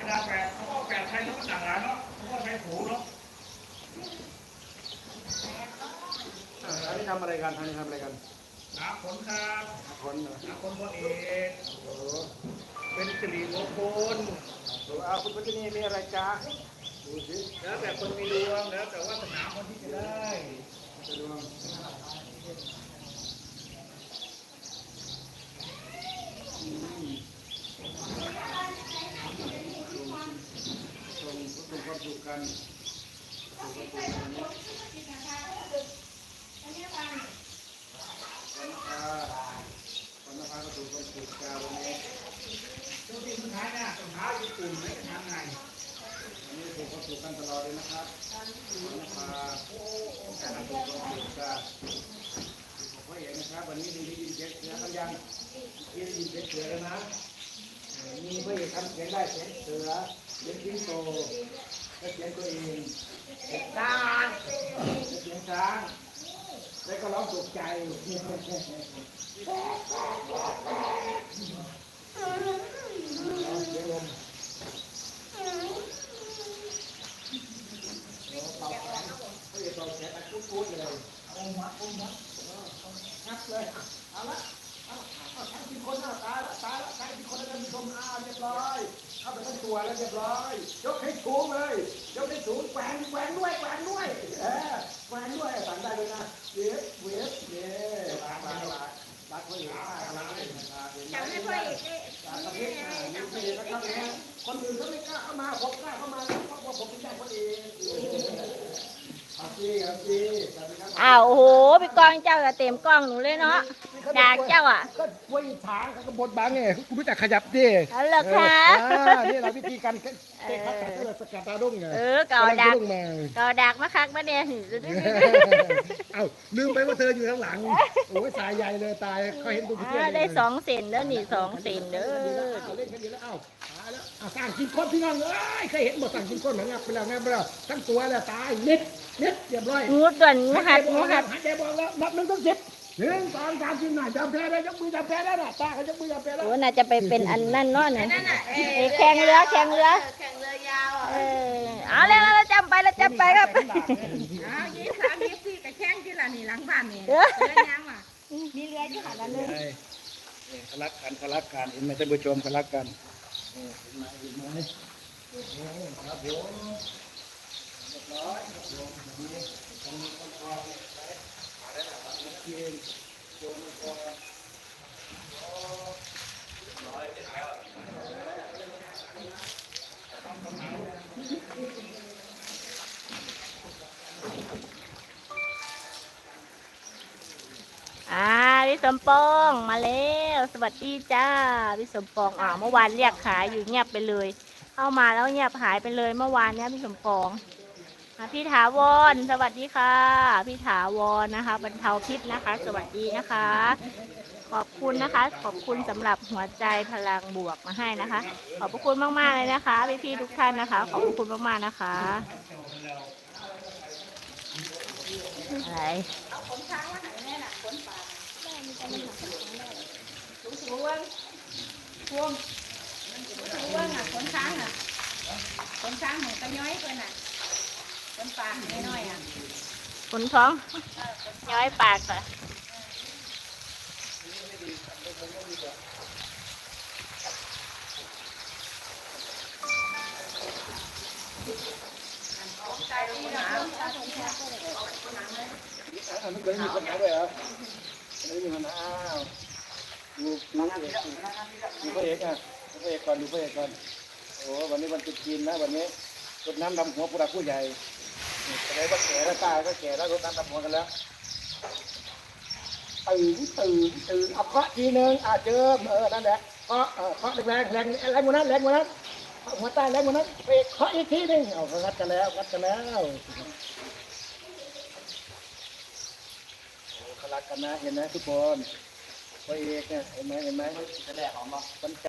ดาแปดเขาก็แปดไทยเขาก็ต่างหลายเนาะเขาก็ใช้ผูเนาะอันนี้ทำอะไรกันอันนี้ทำอะไรกันหาผลครับหาคนเหรอหาคนพลเอกเป็นสิริมงคลเอาคุณพัชนีมีอะไรจ้าดูสิแล้วแต่คนมีดวงแล้วแต่วาสนาคนที่จะได้ดวงส่งความสุขกันวันนภาก็ถูกคนถูกกาวันนี้ช่วงที่สุดท้ายเนี่ยสุดท้ายญี่ปุ่นไม่ทำไงวันนี้ถูกคนถูกกันตลอดเลยนะครับวันนภาการถูกคนถูกกาผมก็เห็นนะครับวันนี้ได้ยินเสียงเสือกันยังได้ยินเสียงเสือแล้วนะมีเพื่อนทำเสียงได้เสียงเสือเสียงสิงโตและเสียงตัวเองเสียงช้างเสียงช้างแล้วก็ร้องตกใจเสียงลมเป่าแขนเขาจะเป่าแขนอัดปุ๊บๆเลยเอามัดงับเลยเอาละทั้งที่คนตายละทั้งที่คนแล้วมีชมเรียบร้อยเข้าไปทั้งตัวแล้วเรียบร้อยยกให้สูงเลยยกให้สูงแหวนด้วยแหวนด้วยสั่งได้เลยนะเวฟรักพ่อเอกรักจำให้พ่อเอกได้จำให้นะครับเนี่ยคนอื่นเขาไม่กล้าเข้ามาผมกล้าเข้ามาเพราะว่าผมเป็นญาติพ่อเอกครับพี่อ้าวโอ้โหพี่กองเจ้าจะเต็มกล้องหนูเลยเนาะด่าเจ้าอ่ะก็ไว้ถางก็บดบางไงคุณรู้จักขยับดิเอาเหรอคะนี่เราวิธีการเตะขัดสกัดตาดุ้งไงเก่าดักมาคักมาเนี่ยเอ้าลืมไปว่าเธออยู่ข้างหลังโอ้ยสายใหญ่เลยตายเขาเห็นตัวพี่ได้2 เซนแล้วนี่2 เซนเด้อเล่นกันดีแล้วเอ้าตายแล้วสั่งกินก้นพี่น้องเคยเห็นหมดสั่งกินก้นเหมือนงับไปแล้วทั้งตัวแล้วตายนิดเรียบร้อยงูด่วนงูหัดหายใจบอกแล้วนับ1 ถึง 10 1 2 3 4 5จับแพ้ได้ยกมือจับแพ้ได้น่ะตาเขายกมือจับแพ้ได้โอ้น่าจะไปเป็นอันนั่นเนาะเนี่ยแข่งเรือยาวเอาเลยเราจำไปครับ 23 24กับแข่งที่ละนี่หลังบ้านนี่ยังว่ะมีเรือที่หันนั่นเลยเขารักกันเห็นไหมท่านผู้ชมเขารักกันเห็นไหมครับผมเรียบร้อยพี่สมปองมาแล้วสวัสดีจ้าพี่สมปองเมื่อวานเรียกขายอยู่เงียบไปเลยเข้ามาแล้วเงียบหายไปเลยเมื่อวานเนี้ยพี่สมปองพี่ถาวรสวัสดีค่ะพี่ถาวรนะคะบรรเทาพิษนะคะสวัสดีนะคะขอบคุณนะคะขอบคุณสำหรับหัวใจพลังบวกมาให้นะคะขอบพระคุณมากๆเลยนะคะพี่ๆทุกท่านนะคะขอบคุณมากๆนะคะอะไรคนช้างเหมือนกระย้อยเลยน่ะคนปากน้อยขนท้องย้อยปากค่ะไม่เคยมีปัญหาเลยเหรอไม่มีปัญหาดูพระเอกก่อนดูพระเอกก่อนโอ้วันนี้วันจุดจีนนะวันนี้รดน้ำดำหัวผู้หลักผู้ใหญ่อะไรก็แก่แล้วตายก็แก่แล้วรดน้ำดำหัวกันแล้วตื่นเอาเคาะทีนึงเจิมนั่นแหละเคาะแรงกว่านั้นหัวใต้แรงกว่านั้นไปเคาะอีกทีนึงเอางัดกันแล้วเขารักกันนะเห็นไหมทุกคนพระเอกเนี่ยเห็นไหมจะแหลกออกมา